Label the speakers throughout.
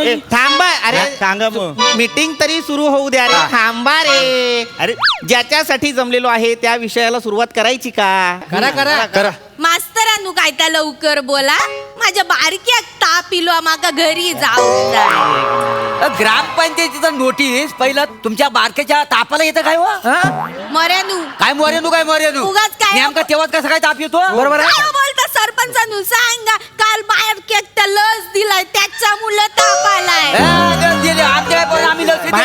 Speaker 1: थांबा. अरे
Speaker 2: सांगा मग.
Speaker 1: मीटिंग तरी सुरू होऊ द्या रे. थांबा रे.
Speaker 2: अरे
Speaker 1: ज्याच्यासाठी जमलेलो आहे त्या विषयाला सुरुवात करायची का?
Speaker 2: करा.
Speaker 3: मास्तरांनू काय त्या लवकर बोला. माझ्या बारक्याक ताप इलो माका घरी जाऊ जाय.
Speaker 4: ग्रामपंचायतीचा नोटीस पहिला तुमच्या बारकेच्या तापाला येतं काय वा
Speaker 3: मऱ्यानू
Speaker 4: काय मोर्यानू
Speaker 3: उगाच काय?
Speaker 4: नेमका तेव्हाच कसा काय ताप येतो
Speaker 3: बरोबर बोलता सरपंचानू सांगा. काल बारक्याक त्या लस दिलाय त्याच्या मुलं ताप आलाय.
Speaker 4: आम्ही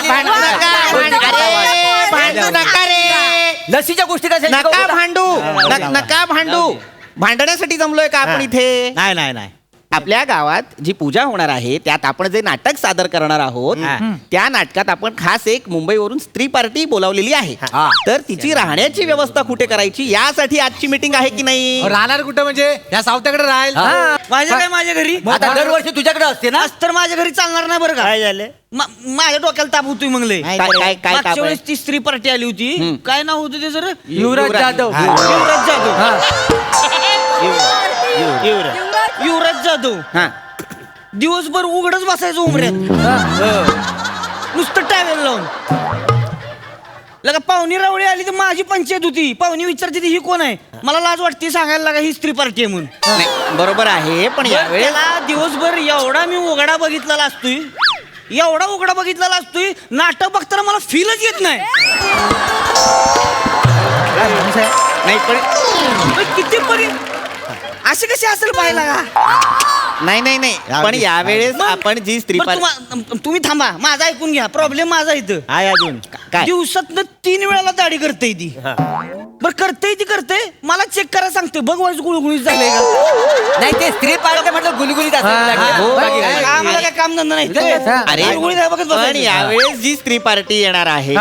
Speaker 1: भांडू नका रे.
Speaker 4: लसीच्या गोष्टी कशा
Speaker 1: नका भांडू. नका भांडू. भांडण्यासाठी जमलोय का आपण इथे?
Speaker 2: नाही.
Speaker 1: आपल्या गावात जी पूजा होणार आहे त्यात आपण जे नाटक सादर करणार आहोत त्या नाटकात आपण खास एक मुंबईवरून स्त्री पार्टी बोलावलेली आहे. तर तिची राहण्याची व्यवस्था कुठे करायची यासाठी आजची मीटिंग आहे की नाही?
Speaker 5: राहणार कुठं म्हणजे या सावत्याकडे राहील.
Speaker 4: माझ्या घरी आता दरवर्षी तुझ्याकडे असते ना
Speaker 6: तर माझ्या घरी चालणार नाही बरं का.
Speaker 2: काय झालं?
Speaker 6: माझ्या डोक्याला ताप होतोय मंगले.
Speaker 1: काय
Speaker 6: मागच्या
Speaker 1: ताप
Speaker 6: वेळेस ती स्त्री पार्टी आली होती. काय नाव होतं ते जर
Speaker 5: युवराज जाधव.
Speaker 6: युवराज जाधव.
Speaker 1: हा.
Speaker 6: दिवसभर उघडच बसायचं उमऱ्यात नुसतं टावेल लावून. लगा पाहुणी रावळी आली तर माझी पंचायत होती. पाहुणी विचारते ही कोण आहे. मला लाज वाटते सांगायला लागा ही स्त्री पार्टी आहे म्हणून.
Speaker 1: नाही, बरोबर आहे पण यावेळेस
Speaker 6: त्याला दिवसभर एवढा मी उघडा बघितलेला असतोय. एवढा उघडा बघितलेला असतोय नाटक बघताना मला फीलच येत नाही.
Speaker 1: नाही पण
Speaker 6: किती परी असे कसे असेल पाहिला का.
Speaker 1: नाही पण यावेळेस
Speaker 6: मग-
Speaker 1: आपण जी स्त्री
Speaker 6: बरं, तुम्ही थांबा माझा ऐकून घ्या. प्रॉब्लेम माझा इथं
Speaker 2: आहे अजून
Speaker 1: काय
Speaker 6: दिवसातनं 3 वेळाला दाढी करते ती. बर करते मला चेक करा सांगते. बघ वाईज गुळगुळीत झालंय का.
Speaker 4: नाही ते स्त्री पार्टी म्हटलं गुलगुलीत
Speaker 6: आम्हाला काय काम धंदा नाही.
Speaker 1: अरे
Speaker 6: गुळगुळीत आहे बघत
Speaker 1: पण
Speaker 6: बसायचं.
Speaker 1: यावेळेस जी स्त्री पार्टी येणार आहे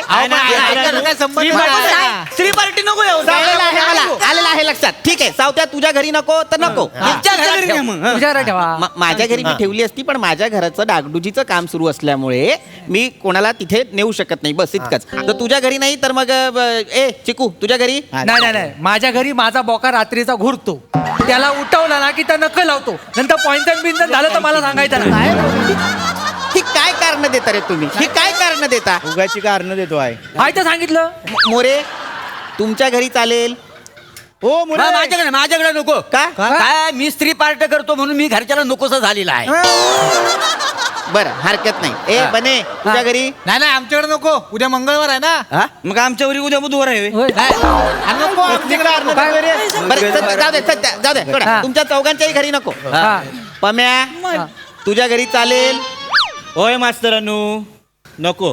Speaker 6: स्त्री पार्टी नको येऊ.
Speaker 1: आलेला आहे लक्षात. ठीक आहे सावत्या तुझ्या घरी नको तर नको.
Speaker 6: तुमच्या घरी घ्या मग.
Speaker 5: तुझ्याकडे ठेवा.
Speaker 1: माझ्या घरी मी ठेवली असती पण माझ्या घराचं डागडुजीचं काम सुरू असल्यामुळे मी कोणाला तिथे नेऊ शकत नाही. बस इतकंच. तर तुझ्या घरी नाही तर मग ए चिकू तुझ्या घरी
Speaker 5: नाही माझ्या घरी माझा बोका रात्रीचा घुरतो. त्याला उठवला ना की त्या नक्क लावतो. नंतर पॉइंटन बिंटन झालं तर मला सांगायचं ना.
Speaker 1: ही काय कारण देता रे तुम्ही? ही काय कारण देता?
Speaker 2: उगाची कारण देतो आहे.
Speaker 5: हाय तर सांगितलं.
Speaker 1: मोरे तुमच्या घरी चालेल?
Speaker 2: हो मुळे
Speaker 4: माझ्याकडे नको
Speaker 1: का?
Speaker 4: काय मी स्त्री पार्टी करतो म्हणून मी घरच्याला नकोसा झालेला आहे.
Speaker 1: बरं हरकत नाही. ए बने तुझ्या घरी
Speaker 5: नाही आमच्याकडे नको. उद्या मंगळवार आहे ना.
Speaker 6: मग आमच्यावरी उद्या बुधवार आहे.
Speaker 5: नको
Speaker 1: बरं जाऊ दे सोडा. तुमच्या चौघांच्याही घरी नको. पम्या तुझ्या घरी चालेल?
Speaker 2: होय मास्तरानू नको.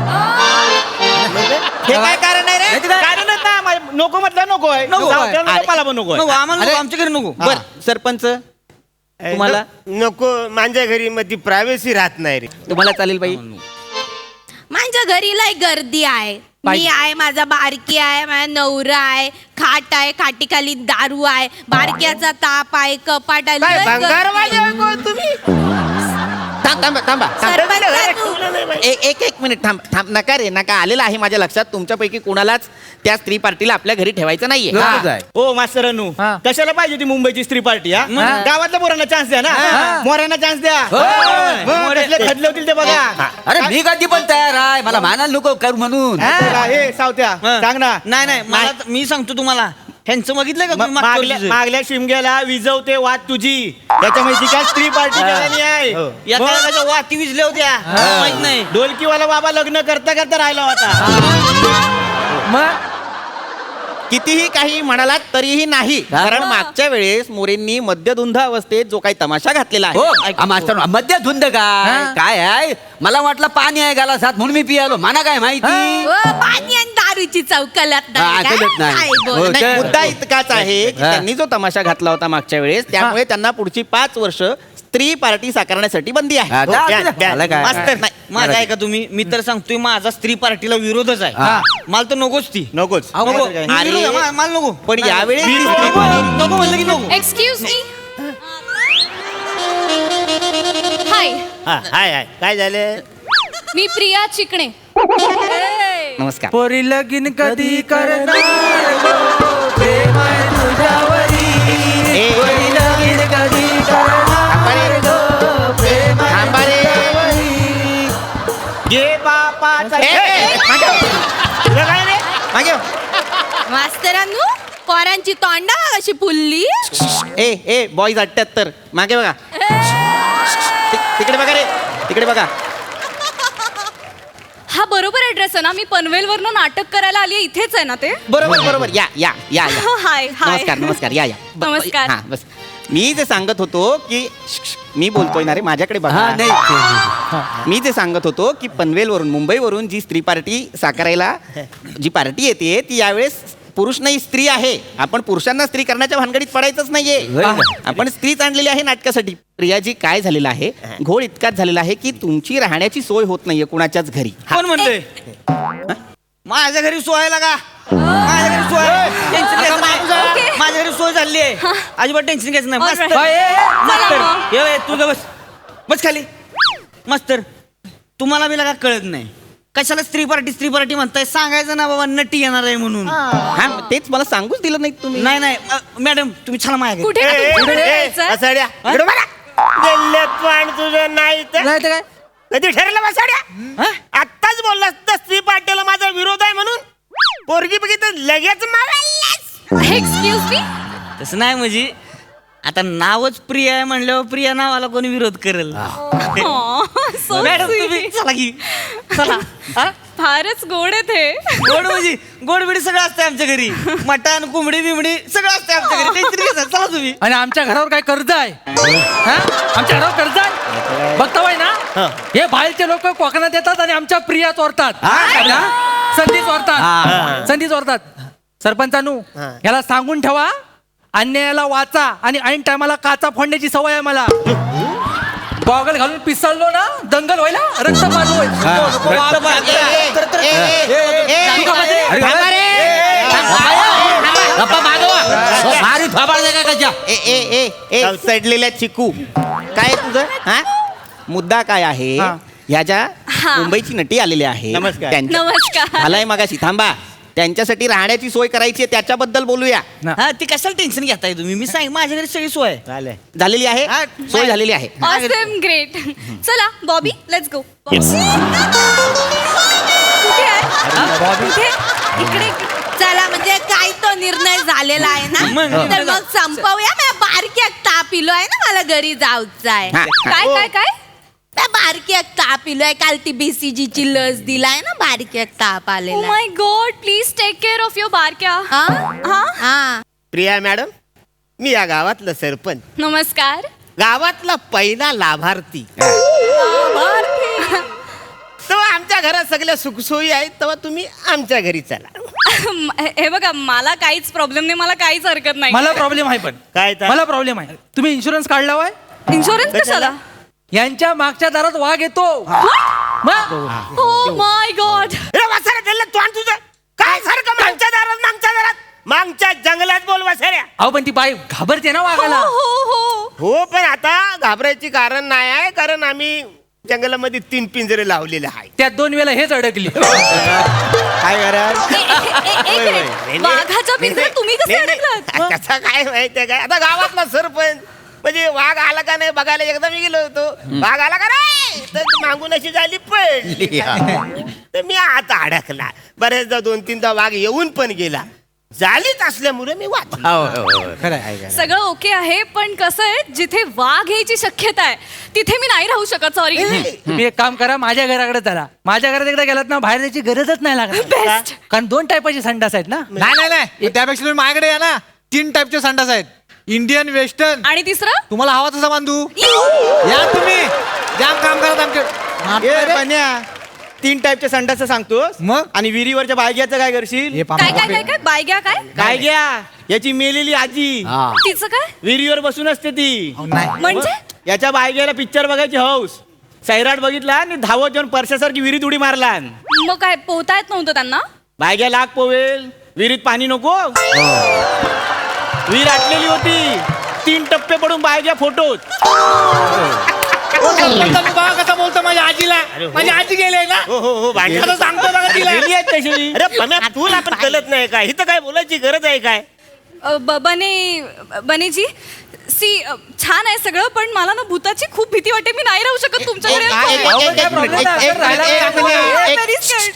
Speaker 1: हे काय कारण आहे रे?
Speaker 2: कारणच नाही. नको म्हटलं नको आहे.
Speaker 6: नको.
Speaker 2: सावत्याला नको, मला पण नको
Speaker 6: नको
Speaker 2: आहे.
Speaker 6: आम्हाला नको. आमच्या घरी नको.
Speaker 1: बर सरपंच तुम्हाला
Speaker 7: नको. माझ्या घरी मध्ये प्रायव्हसी राहत नाही रे.
Speaker 1: तुम्हाला चालेल बाई?
Speaker 3: माझ्या घरी लय गर्दी आहे. मी आहे, माझा बारकी आहे, माझा नवरा आहे, खाट आहे, खाटीखाली दारू आहे, बारक्याचा ताप आहे, कपाट आहे. लय गर्दी आहे.
Speaker 1: थांबा
Speaker 3: सरपंचानू.
Speaker 1: एक मिनिट थांब नका रे नका. आलेला आहे माझ्या लक्षात तुमच्यापैकी कोणालाच त्या स्त्री पार्टीला आपल्या घरी ठेवायचं नाहीये.
Speaker 2: हो मास्तरानू कशाला पाहिजे ती मुंबईची स्त्री पार्टी? गावातल्या पोरांना चान्स द्या ना. मोऱ्यांना चान्स द्या. कसले खदले होतील ते बघा.
Speaker 4: अरे मी कधी पण तयार आहे. मला मानायला नको करू म्हणून.
Speaker 2: हे सावत्या सांग ना.
Speaker 6: नाही मला मी सांगतो तुम्हाला. ह्यांचं बघितलंय का तुम्ही मागच्या वर्षीचं?
Speaker 2: मागल्या शिमग्याला विजवते वाद तुझी. त्याच्यामुळे ती काय स्त्री पार्टी करायची आहे.
Speaker 6: या काळाच्या वाती विजल्या होत्या माहित नाही.
Speaker 2: ढोलकीवाला बाबा लग्न करता करता राहिला होता.
Speaker 5: मग
Speaker 1: कितीही काही म्हणालात तरीही नाही. कारण मागच्या वेळेस मोरेंनी मद्यधुंद अवस्थेत जो काही तमाशा घातलेला
Speaker 4: हो
Speaker 1: आहे
Speaker 4: मास्तर मध्य धुंद काय आहे. मला वाटलं पाणी आहे गालासात म्हणून मी पियालो. मला काय माहिती.
Speaker 3: पाणी आणि दारूची चौकलात नाही
Speaker 4: ऐकलंच
Speaker 3: काय?
Speaker 4: नाही.
Speaker 3: काय
Speaker 4: हो,
Speaker 3: बोल.
Speaker 1: नाही, मुद्दा इतकाच आहे की त्यांनी जो तमाशा घातला होता मागच्या वेळेस त्यामुळे त्यांना पुढची 5 वर्ष स्त्री पार्टी साकारण्यासाठी बंदी आहे.
Speaker 4: हा,
Speaker 1: हो,
Speaker 4: जा,
Speaker 1: द्या.
Speaker 4: मला काय?
Speaker 1: मास्तर नाही
Speaker 6: माझा ऐका तुम्ही. मी तर सांगतोय माझा स्त्री पार्टीला विरोधच आहे. मला तर नकोच ती.
Speaker 2: नकोच.
Speaker 6: नको.
Speaker 1: अरे.
Speaker 6: विरोध आहे. मला नको.
Speaker 1: पण यावेळेस
Speaker 6: नको म्हणलं की नको.
Speaker 8: Excuse me. हाय,
Speaker 2: हाय काय झालं?
Speaker 8: मी प्रिया चिकणे.
Speaker 1: नमस्कार.
Speaker 5: पोरी लगीन कधी करणार गो, प्रेम आहे तुझ्यावरी.
Speaker 1: ए,
Speaker 5: पोरी लगीन कधी करणार गो, प्रेम आहे
Speaker 1: थांबा रे.
Speaker 6: घे बापाचा
Speaker 2: तुला काय रे मागे हो.
Speaker 3: मास्तरांनो पोरांची तोंडा कशी फुलली
Speaker 1: ए बॉईज 78 मागे बघा तिकडे बघा रे तिकडे बघा.
Speaker 8: हा बरोबर ऍड्रेस आहे ना? मी पनवेल वरनं नाटक करायला आली आहे, इथेच आहे ना ते?
Speaker 1: बरोबर या या या या
Speaker 8: हाय हाय
Speaker 1: नमस्कार या
Speaker 8: नमस्कार.
Speaker 1: हा बस मी जे सांगत होतो की मी बोलतोय ना रे माझ्याकडे बघा.
Speaker 4: हा नाही
Speaker 1: मी जे सांगत होतो की पनवेलवरून मुंबईवरून जी स्त्री पार्टी साकारायला जी पार्टी येते ती यावेळेस पुरुष नाही स्त्री आहे. आपण पुरुषांना स्त्री करण्याच्या भानगडीत पडायचंच नाहीये. आपण स्त्रीच आणलेली आहे नाटकासाठी. प्रियाजी काय झालेलं आहे घोळ इतकाच झालेला आहे की तुमची राहण्याची सोय होत नाहीये कुणाच्याच घरी.
Speaker 6: कोण म्हणतोय माझ्या घरी सोय लागा माझ्या घरी सोय टेन्शन घ्यायचं नाही. माझ्या घरी सोय झाली आहे अजिबात टेन्शन घ्यायचं नाही.
Speaker 8: Alright.
Speaker 6: मास्तर मास्तर
Speaker 8: चला मग.
Speaker 6: ये तू ग बस खाली. मास्तर तुम्हाला मी लागा कळत नाही कशाला स्त्री पार्टी म्हणताय. सांगायचं ना बाबा नटी येणार आहे म्हणून.
Speaker 1: हा तेच मला सांगूच दिलं नाही तुम्ही.
Speaker 6: नाही मॅडम तुम्ही छान माझ्या घरी.
Speaker 8: कुठे कुठे जायचंय?
Speaker 7: बसाड्या इकडं बघा. गेले पण तुझं नाही तर
Speaker 5: नाही तर काय
Speaker 7: कधी ठरलं बसाड्या आत्ताच बोललास तर स्त्री पार्टीला माझा विरोध आहे म्हणून पोरगी बघितलं लगेच मारायलास.
Speaker 8: Excuse me.
Speaker 6: तसं नाही म्हणजे आता नावच प्रिया आहे म्हणल्यावर प्रिया नावाला कोणी विरोध करेल. मॅडम तुम्ही चला की चला हा?
Speaker 8: फारच गोड आहे ते.
Speaker 6: गोड म्हणजे गोड बिडी सगळं असतं आमच्या घरी. मटण कोंबडी बिंबडी सगळं असतं आमच्या घरी. टेन्शन घ्यायचं चला तुम्ही.
Speaker 5: आणि आमच्या घरावर काय कर्ज आहे हा? आमच्या घरावर कर्ज आहे बघताय ना. हे बाहेरचे लोक कोकणात येतात आणि आमच्या प्रिया चोरतात. संधी चोरतात. सरपंचानू याला सांगून ठेवा अन्यायाला वाचा आणि ऐन टायमाला काचा फोडण्याची सवय आहे मला. गॉगल घालून पिसळलो ना दंगल व्हायला रक्त पाजू
Speaker 1: सडलेल्या चिकू काय तुझं हा मुद्दा काय आहे. ह्या ज्या मुंबईची नटी आलेल्या आहे
Speaker 7: नमस्कार.
Speaker 8: नमस्कार.
Speaker 1: झालाय मगाशी थांबा. त्यांच्यासाठी राहण्याची सोय करायची आहे त्याच्याबद्दल बोलूया.
Speaker 6: हा ती कशाला टेन्शन घेताय तुम्ही. मी सांग माझ्या घरी सगळी सोय आहे.
Speaker 1: झालेली आहे
Speaker 6: हा,
Speaker 1: सोय झालेली आहे.
Speaker 8: Awesome great. चला बॉबी लेट्स गो. कुठे आहे? कुठे? इकडे
Speaker 3: चला म्हणजे काय तो निर्णय झालेला आहे ना
Speaker 6: मग.
Speaker 3: तर मग संपवूया. मी बारक्यात ताप इलो आहे ना मला घरी जाऊचं आहे.
Speaker 1: हा,
Speaker 8: काय काय काय?
Speaker 3: त्या बारक्यात ताप इलोय. काल ती BCG ची लस दिलाय ना बारक्यात ताप
Speaker 8: ओ
Speaker 3: आलेला
Speaker 8: my god please take care of your बारक्या.
Speaker 3: हा
Speaker 8: हा
Speaker 3: हा
Speaker 7: प्रिया मॅडम मी या गावातलं सरपंच
Speaker 8: नमस्कार.
Speaker 7: गावातला पहिला लाभार्थी. तेव्हा आमच्या घरात सगळ्या सुखसोयी आहेत तेव्हा तुम्ही आमच्या घरी चला.
Speaker 8: हे बघा मला काहीच प्रॉब्लेम नाही. मला काहीच हरकत नाही.
Speaker 5: मला प्रॉब्लेम आहे पण
Speaker 7: काय तर?
Speaker 5: मला प्रॉब्लेम आहे. तुम्ही इन्शुरन्स काढला होय
Speaker 8: इन्शुरन्स कशाला?
Speaker 5: यांच्या मागच्या दारात वाघ येतो. मग
Speaker 8: ओ माय गॉड.
Speaker 7: अरे वासाऱ्या दिलं तू आणि तुझं काय सारखं मागच्या जंगलात बोल वासाऱ्या.
Speaker 5: अहो पण ती बाई घाबरते ना
Speaker 8: हो
Speaker 5: वाघाला.
Speaker 8: हो
Speaker 7: हो पण आता घाबरायची कारण नाही आहे कारण आम्ही जंगलामध्ये 3 पिंजरे लावलेले आहे.
Speaker 5: त्यात 2 वेळा हेच अडकली.
Speaker 7: काय कराल
Speaker 8: एक मिनिट. वाघाच्या पिंजऱ्यात तुम्ही कसे अडकलात?
Speaker 7: त्याचा काय माहितीये काय आता गावातला सरपंच म्हणजे वाघ आला का नाही बघायला एकदा मी गेलो होतो. वाघ आला का नाही तर मागून अशी झाली पडली तर मी आता अडकला. बऱ्याचदा 2-3दा वाघ येऊन पण गेला. झालीच असल्यामुळे मी वाचलो.
Speaker 8: सगळं ओके आहे पण कसं आहे जिथे वाघ यायची शक्यता आहे तिथे मी नाही राहू शकत. सॉरी.
Speaker 5: तुम्ही एक काम करा माझ्या घराकडे चला. माझ्या घरात एकदा गेलात ना बाहेर जायची गरजच नाही लागत.
Speaker 8: बेस्ट.
Speaker 5: कारण 2 टायपाचे संडास आहेत ना.
Speaker 9: नाही त्यापेक्षा तुम्ही माझ्याकडे या ना. 3 टाईपचे संडास आहेत. Indian western.
Speaker 8: आणि तिसरं
Speaker 9: तुम्हाला हवा तसा बांधू या तुम्ही. जाम काम करत आमचे.
Speaker 2: 3 टाईपच्या संडासचं सांगतोस
Speaker 9: मग?
Speaker 2: आणि विहिरीवरच्या बायग्याचं काय करशील.
Speaker 8: काय काय काय काय बायग्या काय
Speaker 2: काय घ्या याची मेलेली आजी
Speaker 8: तिचं काय
Speaker 2: विहिरीवर बसून असते ती.
Speaker 8: म्हणजे
Speaker 2: याच्या बायग्याला पिक्चर बघायची हौस. सैराट बघितला आणि धावत जाऊन परशासारखी विहिरीत उडी मारला.
Speaker 8: मग काय पोहता येत नव्हतं त्यांना.
Speaker 2: बायग्या लाग पोवेल विहिरीत पाणी नको. विहीर आटलेली होती. 3 टप्पे पडून बायग्या फोटोत.
Speaker 9: कसं बोलतो माझ्या आजीला. माझी आजी गेले ना.
Speaker 7: हो भांडण
Speaker 9: सांगतो बघा तिला.
Speaker 2: गेली आहेत तशी.
Speaker 7: अरे पम्या तुला पण कळत नाही काय इथं काय बोलायची गरज आहे काय.
Speaker 8: बनेजी सी छान आहे सगळं पण मला ना भूताची खूप भीती वाटते. मी नाही राहू शकत तुमच्याकडे.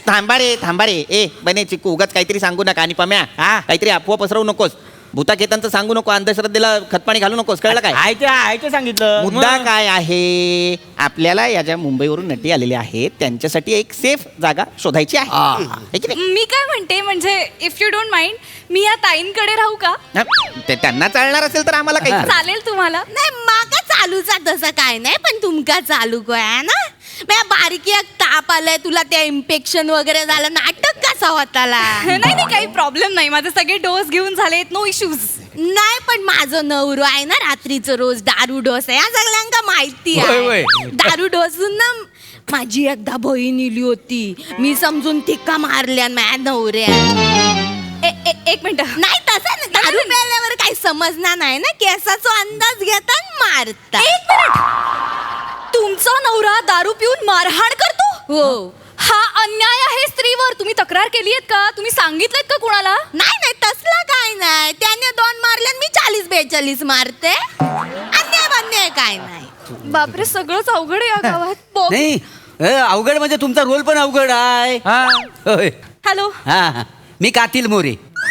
Speaker 1: थांबा रे ए बने चिकू उगाच काहीतरी सांगू नका आणि पम्या काहीतरी अफवा पसरवू नकोस भूताखेतांचं सांगू नको अंधश्रद्धेला खतपाणी घालू नकोस कळलं काय
Speaker 2: आहे ते सांगितलं
Speaker 1: मुद्दा काय आहे आपल्याला या ज्या मुंबईवरून नटी आलेल्या आहेत त्यांच्यासाठी एक सेफ जागा शोधायची आहे की नाही?
Speaker 8: मी काय म्हणते म्हणजे इफ यू डोंट माइंड मी या ताईंकडे राहू का
Speaker 1: हा, ते त्यांना चालणार असेल तर आम्हाला काही हरकत
Speaker 8: चालेल तुम्हाला
Speaker 3: नाही माका चालूचा तसं काय नाही पण तुमका चालू काय ना माझ्या बारकी एक ताप आलाय तुला ते इन्फेक्शन वगैरे झालं नाटक कसा होताला
Speaker 8: नाही काही प्रॉब्लेम नाही माझे सगळे डोस घेऊन झालेत नो इश्यूज
Speaker 3: नाही पण माझं नवरो आहे ना रात्रीचं रोज दारू डोस आहे या सगळ्यांका माहिती आहे दारू डोसून ना माझी एकदा बहीण इली होती मी समजून तिका मारल्या माझ्या नवऱ्या
Speaker 8: एक मिनिट
Speaker 3: नाही तसं नाही दारू प्यायल्यावर काही समजणार नाही ना केसाचा अंदाज घेता मारता
Speaker 8: एक मिनिट तुमचा नवरा दारू पिऊन मारहाण करतो
Speaker 3: हो
Speaker 8: हा अन्याय आहे स्त्रीवर तुम्ही तक्रार केली आहेत का तुम्ही सांगितलं का कुणाला
Speaker 3: नाही तसला काय नाही त्याने 2 मारल्या मी 40-42 मारते अन्याय काय नाही
Speaker 8: बापरे सगळंच अवघड आहे या गावात
Speaker 4: नाही अवघड म्हणजे तुमचा रोल पण अवघड आहे होय.
Speaker 8: हॅलो
Speaker 4: हा मी कातील मोरे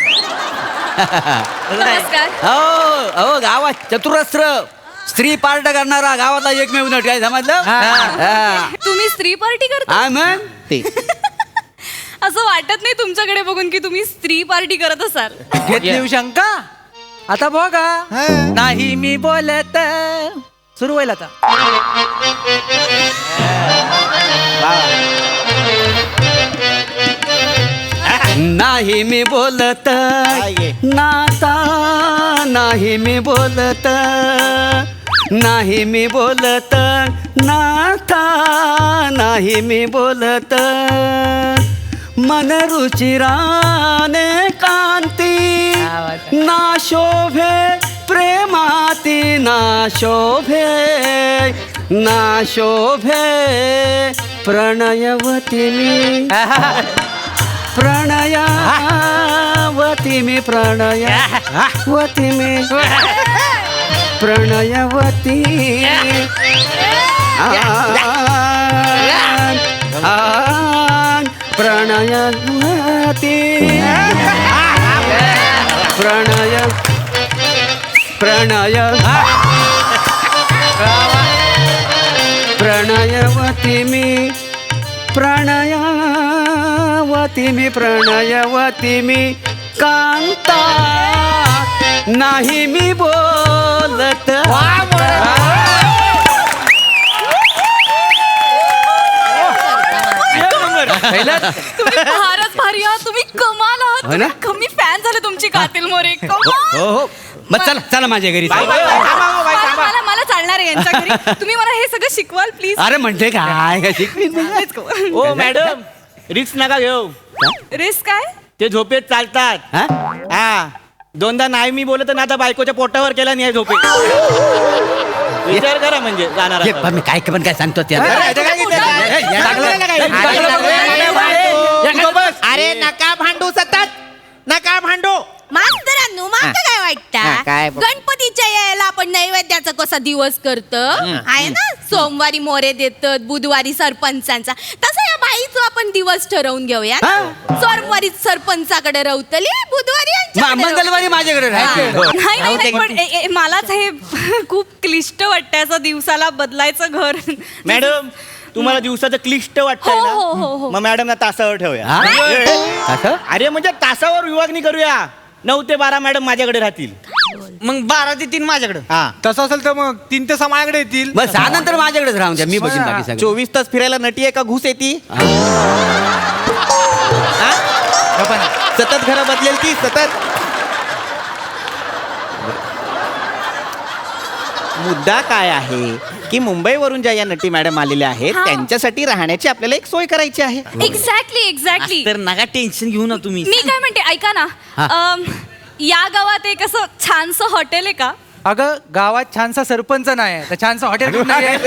Speaker 8: नमस्कार
Speaker 4: हो गावात चतुरस्र स्त्री पार्ट करणारा गावातला एकमेव नट काय समजलं
Speaker 8: तुम्ही स्त्री पार्टी करता
Speaker 4: हा मग
Speaker 1: ते
Speaker 8: असं वाटत नाही तुमच्याकडे बघून की तुम्ही स्त्री पार्टी करत असाल
Speaker 5: घेतली शंका आता बघा नाही मी बोलत सुरू होईल आता
Speaker 4: नाही मी बोलत नाता नाही मी बोलत नाही मी बोलत नाता नाही मी बोलत मन रुचिराने कांती ना शोभे प्रेमाती ना शोभे ना शोभे प्रणयवती मी प्रणयवती मी प्रणयवती मी प्रणयवती प्रणयवती प्रणय प्रणयवती मी प्रणयवती मी प्रणयवती मी कांता नाही मी बोलत
Speaker 8: तुम्ही फारच भारी आहात तुम्ही कमाल आहात
Speaker 4: हो ना?
Speaker 8: कमी फॅन झाले तुमची कातील मोरे कमाल.
Speaker 4: हो मग चला माझ्या घरी
Speaker 8: मला चालणार आहे यांच्या घरी तुम्ही मला हे सगळं शिकवाल प्लीज
Speaker 4: अरे म्हणते काय शिकवी
Speaker 2: ओ मॅडम रिस्क नका घेऊ
Speaker 8: रिस्क काय
Speaker 2: ते झोपेत चालतात हा 2दा नाही मी बोलत ना आता बायकोच्या पोटावर केला नाही झोपेत विचार करा म्हणजे जाणार
Speaker 4: मी काय पण काय सांगतो
Speaker 1: अरे नका भांडू सतत नका भांडू
Speaker 3: मास्तरांनो माका काय
Speaker 1: हा,
Speaker 3: वाटतं
Speaker 1: काय बघ.
Speaker 3: गणपतीच्या यायला आपण नैवेद्याचा कसा दिवस करतो आहे ना सोमवारी मोरे देतात बुधवारी सरपंचांचा तसं या बाईचा आपण दिवस ठरवून घेऊया ना. सोमवारी सरपंचाकडे रवतली बुधवारी यांच्याकडे
Speaker 4: मंगळवारी माझ्याकडे राहायचं
Speaker 8: नाही पण मलाच हे खूप क्लिष्ट वाटतं असं दिवसाला बदलायचं घर
Speaker 2: मॅडम तुम्हाला दिवसाचं क्लिष्ट वाटतंय
Speaker 8: हो, हो, हो, हो.
Speaker 2: ना मग मॅडम तासावर ठेवूया
Speaker 4: असं
Speaker 2: अरे म्हणजे तासावर विभागणी करूया 9 ते 12 मॅडम माझ्याकडे राहतील
Speaker 6: मग 12 ते 3 माझ्याकडे
Speaker 2: हा
Speaker 9: तसं असेल तर मग 3 ते 6 माझ्याकडे येतील
Speaker 4: बस 6 नंतर माझ्याकडेच राहून द्या मी बघीन बाकी सगळं
Speaker 1: 24 तास फिरायला नटी आहे का घुस येते सतत घरं बदलेल ती सतत मुद्दा काय आहे की मुंबईवरून ज्या या नटी मॅडम आलेल्या आहेत
Speaker 8: हा.
Speaker 1: त्यांच्यासाठी राहण्याची आपल्याला एक सोय करायची आहे
Speaker 8: एक्झॅक्टली
Speaker 6: तर नका टेन्शन घेऊ ना तुम्ही
Speaker 8: मी काय म्हणते ऐका ना या गावात एक असं छानसं हॉटेल आहे का
Speaker 5: अगं गावात छानसा सरपंच नाही तर छानसा हॉटेल कुठं आहे?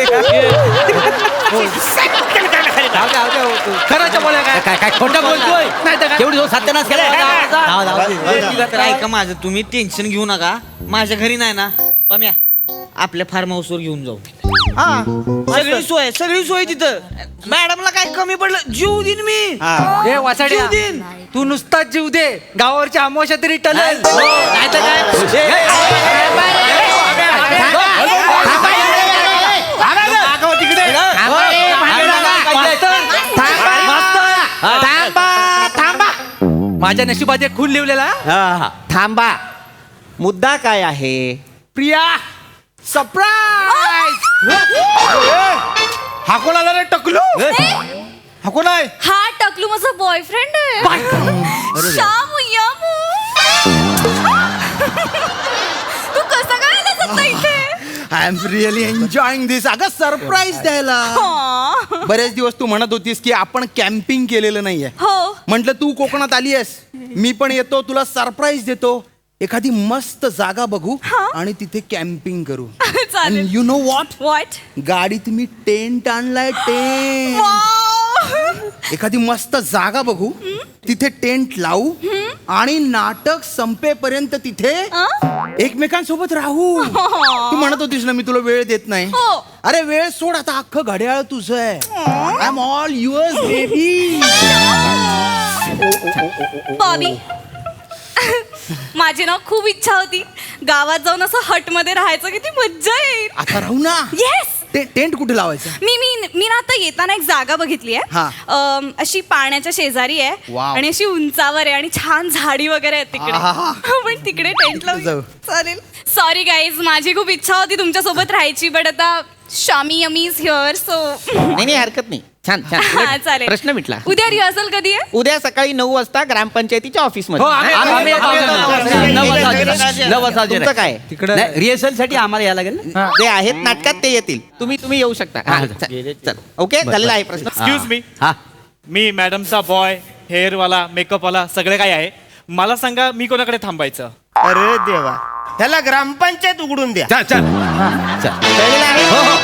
Speaker 5: खरंच बोला काय
Speaker 4: काय काय खोटं बोलतोय
Speaker 5: नाही तर काय?
Speaker 4: केवढी सत्यानाश केला
Speaker 6: तर ऐका माझं तुम्ही टेन्शन घेऊ नका माझ्या घरी नाही ना पम्या आपल्या फार्म हाऊसवर घेऊन जाऊ सगळी सोय तिथं मॅडमला काय कमी पडलं जीव देईन मी
Speaker 5: ए वासाड्या
Speaker 6: जीव देईन.
Speaker 5: तू नुसताच जीव दे गावावरची अमावस्या तरी टलेल
Speaker 4: नाहीतर काय
Speaker 5: माझ्या नशिबात एक खून लिवलेला
Speaker 1: थांबा, मुद्दा काय आहे?
Speaker 9: प्रिया सरप्राईज. हा कोण आला रे टकलू? हा कोण आहे?
Speaker 8: हा टकलू माझा बॉयफ्रेंड आहे श्यामू यामू. तू कसा काय आला सध्या इथे?
Speaker 9: I am really enjoying this. अगं सरप्राईज द्यायला
Speaker 8: हा.
Speaker 9: बरेच दिवस तू म्हणत होतीस की आपण कॅम्पिंग केलेलं नाहीये.
Speaker 8: हो
Speaker 9: म्हटलं तू कोकणात आली आहेस, मी पण येतो, तुला सरप्राईज देतो. एखादी मस्त जागा बघू आणि तिथे कॅम्पिंग करू.
Speaker 8: चालेल.
Speaker 9: You know what,
Speaker 8: what?
Speaker 9: गाडीत मी टेंट आणलाय, टेंट. एखादी मस्त जागा बघू, तिथे टेंट लावू आणि नाटक संपेपर्यंत तिथे एकमेकांसोबत राहू. तू म्हणत होतीस ना मी तुला वेळ देत नाही.
Speaker 8: हो.
Speaker 9: अरे वेळ सोड, आता अख्खं घड्याळ तुझं आहे. I am all yours baby.
Speaker 8: Bobby माझी ना खूप इच्छा होती गावात जाऊन असं हट मध्ये राहायचं, किती मज्जा येईल.
Speaker 9: आता राहू ना.
Speaker 8: येस.
Speaker 9: टेंट कुठे लावायचं?
Speaker 8: मी ना आता येताना एक जागा बघितली
Speaker 9: हा.
Speaker 8: आहे अशी पाण्याच्या शेजारी आहे
Speaker 9: वाव.
Speaker 8: आणि अशी उंचावर आहे आणि छान झाडी वगैरे आहेत तिकडे.
Speaker 9: आहा.
Speaker 8: पण तिकडे टेंट
Speaker 9: जाऊ.
Speaker 8: लावू चालेल. सॉरी गाईज, माझी खूप इच्छा होती तुमच्या सोबत राहायची, बट आता शामी यमी इज हिअर सो.
Speaker 1: नाही हरकत नाही. छान छान. उलट
Speaker 8: चालेल.
Speaker 1: प्रश्न मिटला.
Speaker 8: उद्या रिहर्सल कधी आहे?
Speaker 1: उद्या सकाळी 9 वाजता ग्रामपंचायतीच्या ऑफिसमध्ये.
Speaker 5: हो, आम्ही-
Speaker 4: आम्ही येतो. नऊ वाजता
Speaker 1: तुमचं काय?
Speaker 4: रिहर्सल साठी आम्हाला यायला लागेल ना?
Speaker 1: जे आहेत नाटकात ते येतील. तुम्ही येऊ शकता. हा, चल. ओके, झालेला आहे प्रश्न.
Speaker 2: एक्सक्यूज मी,
Speaker 4: हा
Speaker 2: मी मॅडमचा बॉय, हेअरवाला, मेकअपवाला सगळे काय आहे. मला सांगा मी कोणाकडे थांबायचं?
Speaker 7: अरे देवा, त्याला ग्रामपंचायत उघडून द्या.
Speaker 1: कळलेलं आहे?